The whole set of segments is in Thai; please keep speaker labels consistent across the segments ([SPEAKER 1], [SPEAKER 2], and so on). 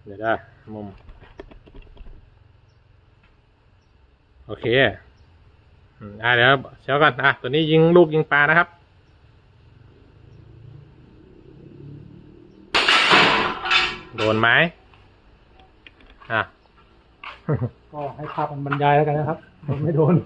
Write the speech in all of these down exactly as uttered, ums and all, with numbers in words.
[SPEAKER 1] เดี๋ยวได้มุมโอเคอ่าเดี๋ยวเช้าก่อนอ่ะตัวนี้ยิงลูกยิงปลานะครับโดนไหมอ่ะ
[SPEAKER 2] ก็ให้ภาพมันบรรยายแล้วกันนะครับโดนไม่โดน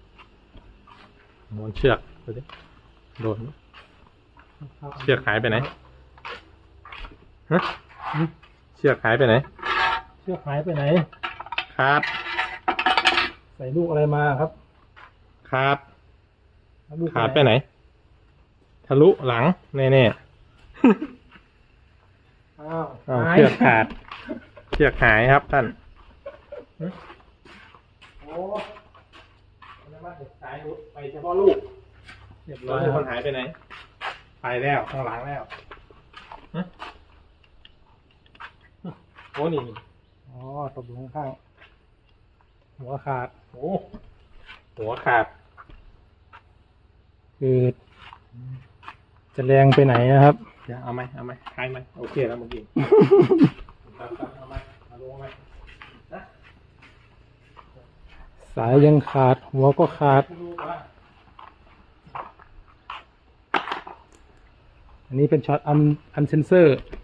[SPEAKER 1] ม้วนเชือกดูดิโดนเชือกหายไปไหนฮะเชือกหายไปไหน
[SPEAKER 2] เชือกหายไปไหน
[SPEAKER 1] ครับ
[SPEAKER 2] ใส่ลูกอะไรมาครับ
[SPEAKER 1] ครับขาดไปไหนทะลุหลังแน่ๆ
[SPEAKER 2] อ้าว
[SPEAKER 1] เชือกขาดเชือกหายครับท่านโอ้แล้วมาสายรุดไปเฉพาะลูกเรียบร้อยคนหายไปไหนไปแล้วข้างหลังแล้วโอ้นี่
[SPEAKER 2] อ๋อตกลงข้างหัวขาด
[SPEAKER 1] โอ้หัวขาด
[SPEAKER 2] คือจะแรงไปไหนนะครับ
[SPEAKER 1] เดี๋ยวเอาไหมเอาไหมคลายไหมโอเคแล้วเมื่อกี้เอาไหมเอาลงไหมนะ
[SPEAKER 2] สายยังขาดหัวก็ขาดอันนี้เป็นช็อตอันอันเซนเซอร์